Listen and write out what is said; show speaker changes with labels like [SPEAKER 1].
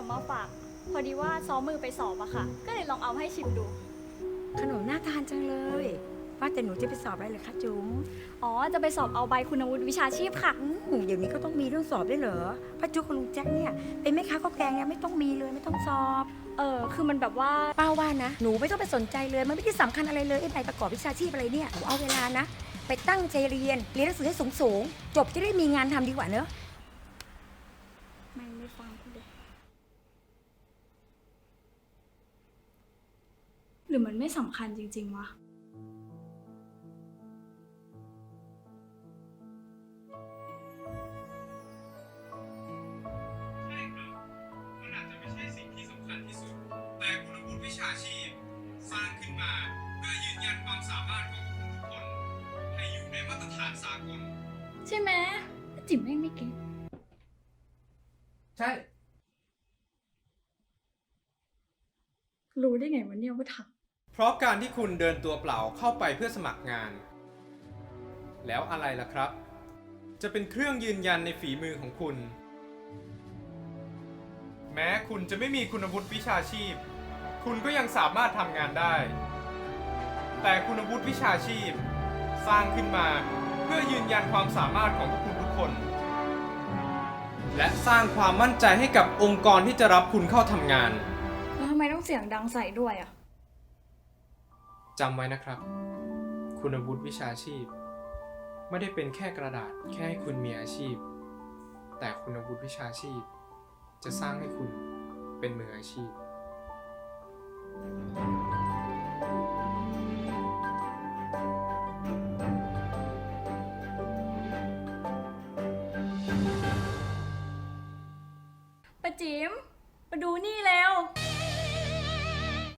[SPEAKER 1] มาฝาก พอดีว่าซ้อมมือไปสอบอะค่ะ ก็เลยลองเอาให้ชิมดู
[SPEAKER 2] ขนมน่าทานจังเลยว่าแต่หนูจะไปสอบอะไรเหรอคะจุ๋ม
[SPEAKER 1] อ๋อ จะไปสอบเอาใบคุณวุฒิวิชาชีพค่ะ
[SPEAKER 2] เดี๋ยวนี้ก็ต้องมีเรื่องสอบด้วยเหรอป้าจุ๊กกับลุงแจ็คเนี่ยเป็นแม่ค้าข้าวแกงเนี่ยไม่ต้องมีเลยไม่ต้องสอบ
[SPEAKER 1] คือมันแบบว่า
[SPEAKER 2] ป้าว่านะหนูไม่ต้องไปสนใจเลยมันไม่ได้สำคัญอะไรเลยไอ้ใบประกอบวิชาชีพอะไรเนี่ยหนูเอาเวลานะไปตั้งใจเรียนหนังสือให้สูงๆจบจะได้มีงานทำดีกว่าเนอะ
[SPEAKER 1] ไม่ฟังกูเลย หรือมันไม่สำคัญจริงๆวะ
[SPEAKER 3] ใช่ครับมันอาจจะไม่ใช่สิ่งที่สำคัญที่สุด แต่คุณวุฒิวิชาชีพสร้างขึ้นมาเพื่อยืนยันความสามารถของคุณทุกคนให้อยู่ในมาตรฐานสากล
[SPEAKER 1] ใช่ไหมจิ๋มแม่งไม่เก่ง
[SPEAKER 3] ใช่
[SPEAKER 1] รู้ได้ไงวะเนี่ยว่าถัก
[SPEAKER 3] เพราะการที่คุณเดินตัวเปล่าเข้าไปเพื่อสมัครงาน แล้วอะไรล่ะครับ จะเป็นเครื่องยืนยันในฝีมือของคุณ แม้คุณจะไม่มีคุณวุฒิวิชาชีพ คุณก็ยังสามารถทำงานได้ แต่คุณวุฒิวิชาชีพ สร้างขึ้นมาเพื่อยืนยันความสามารถของพวกคุณทุกคน และสร้างความมั่นใจให้กับองค์กรที่จะรับคุณเข้าทำงาน
[SPEAKER 1] แล้วทำไมต้องเสียงดังใส่ด้วยอะ
[SPEAKER 3] จำไว้นะครับ คุณวุฒิวิชาชีพ ไม่ได้เป็นแค่กระดาษแค่ให้คุณมีอาชีพ แต่คุณวุฒิวิชาชีพ จะสร้างให้คุณเป็นมืออาชีพ
[SPEAKER 1] ป้าจิ๋มมาดูนี่แล้ว